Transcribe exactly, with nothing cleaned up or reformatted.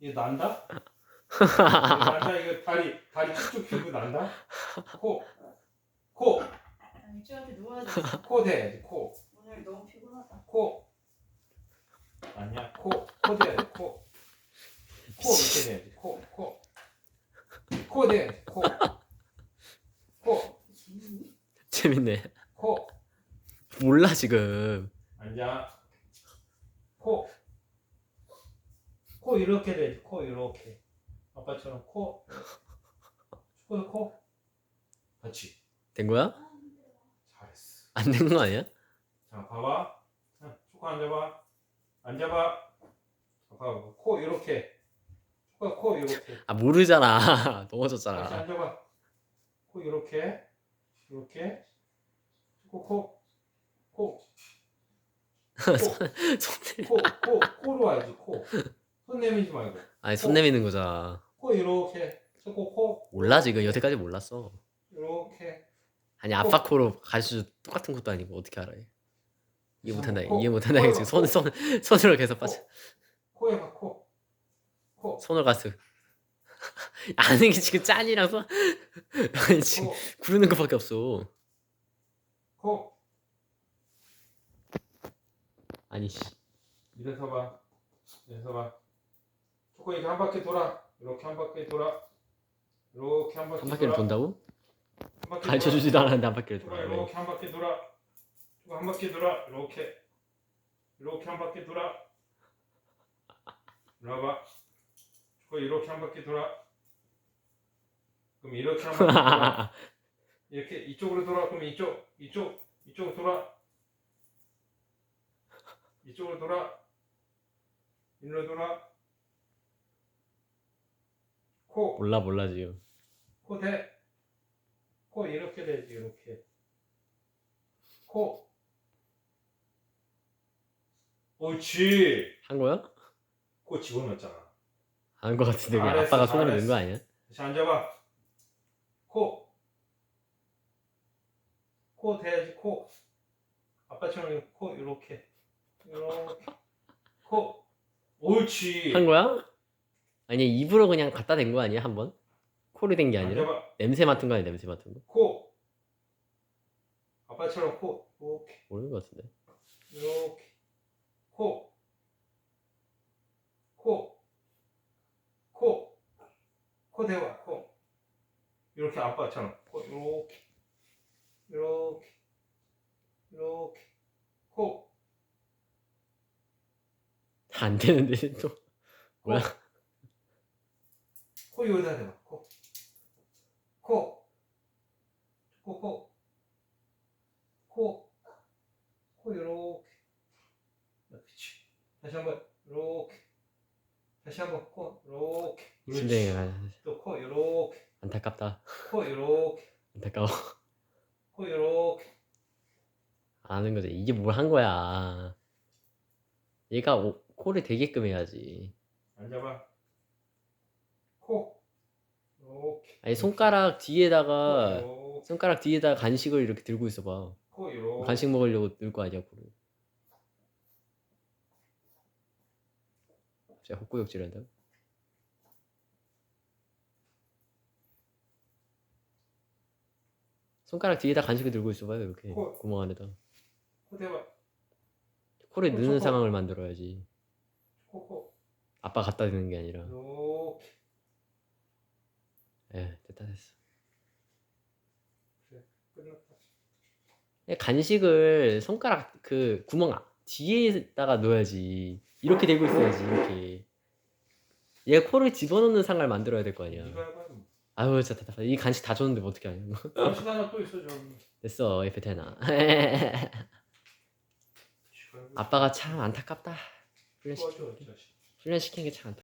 이거 난다? 이거 난다. 이거 다리 다리 쭉쭉 펴고 난다. 코, 코, 아니 쟤한테 누워야 돼. 코 대야지. 코, 오늘 너무 피곤하다. 코. 아니야. 코, 코 대야지. 코, 코 이렇게 대야지. 코, 코, 코 대야지. 코, 코, 재밌니? 재밌네. 코. 몰라 지금. 앉아. 코, 코 이렇게 대야지. 코 이렇게. 아빠처럼 코. 축구도 코. 그렇지. 된 거야? 잘했어. 안 된 거 아니야? 자, 봐봐. 자, 축구 앉아봐. 앉아봐. 봐봐. 코 이렇게. 축구 코 이렇게. 아 모르잖아. 다시 넘어졌잖아. 앉아봐. 코 이렇게. 이렇게. 축구 코. 코. 코. 손 코. 코. 코로 와야지. 코. 손 내밀지 말고. 아니 손 내미는 거잖아. 코 이렇게. 축구 코. 몰라 지금 여태까지 몰랐어. 이렇게. 아니 아빠 코로 가르쳐 똑같은 것도 아니고 어떻게 알아? 이해 못한다. 코. 이해 못한다. 코. 지금 손 손 손으로 계속 빠져. 코. 코에 봐. 코. 코. 손을 가서 아는 게 지금 짠이랑 손 아니 지금 코. 구르는 것밖에 없어. 코. 아니 씨. 이래서 봐. 이래서 봐. 축구 이렇게 한 바퀴 돌아. 이렇게 한 바퀴 돌아. 이렇게 한 바퀴 한 바퀴를 돌아. 돈다고? 한 바퀴 가르쳐 돌아. 주지도 않았는데 한 바퀴를 축구 돌아. 이렇게 한 바퀴 돌아. 축구 한 바퀴 돌아. 이렇게. 이렇게 한 바퀴 돌아. 이리 와봐. 축구 이렇게 한 바퀴 돌아. 그럼 이렇게 한 바퀴 돌아. 이렇게 이쪽으로 돌아. 그럼 이쪽, 이쪽, 이쪽으로 돌아. 이쪽으로 돌아. 일로 돌아. 코, 몰라 몰라 지금. 코 대. 코 이렇게 되지. 이렇게. 코. 옳지. 한 거야? 코 집어넣었잖아. 한 거 같은데 그냥 잘했어, 아빠가 손으로 넣은 잘했어. 거 아니야? 다시 앉아봐. 코. 코 대야지. 코. 아빠처럼 코 이렇게. 이렇게. 코. 옳지. 한 거야? 아니 입으로 그냥 갖다 댄 거 아니야 한 번? 코로 된 게 아니라? 앉아봐. 냄새 맡은 거 아니야 냄새 맡은 거? 코. 아빠처럼 코. 이렇게. 모르는 거 같은데. 이렇게. 코. 코. 코. 코 대봐. 코. 이렇게 아빠처럼. 코. 이렇게. 이렇게. 이렇게. 코. 안 되는데 또 코. 뭐야? 코 여기다 대봐. 코. 코. 코. 코. 코. 코 이렇게. 그렇지. 다시 한번 이렇게. 다시 한번 코 이렇게. 심장이 또 코 이렇게. 안타깝다. 코 이렇게. 안타까워. 코 이렇게. 아는 거지. 이게 뭘 한 거야. 얘가 오, 코를 대게끔 해야지. 앉아봐. 코. 이렇게. 아니 손가락 뒤에다가 코 손가락 뒤에다가 간식을 이렇게 들고 있어봐. 코 이렇게. 간식 먹으려고 넣을 거 아니야 코를. 진짜 헛구역질한다. 손가락 뒤에다 간식을 들고 있어봐요 이렇게 코. 구멍 안에다. 코 대봐. 코를 코, 넣는 코. 상황을 만들어야지. 코 코. 아빠 갖다 대는 게 아니라. 이렇게. 에 됐다 됐어. 그래. 끝났다. 그냥 간식을 손가락 그 구멍 아- 뒤에다가 넣어야지. 이렇게 대고 있어야지 이렇게. 얘 코를 집어넣는 상황을 만들어야 될 거 아니야. 이거 해봐. 뭐. 아유 진짜 답답해. 이 간식 다 줬는데 뭐 어떻게 하냐. 간식 하나 또 있어 저기. 됐어 에페테나. 아빠가 참 안타깝다. 훈련시 도와줘, 자식. 훈련시키는 게 참 안타.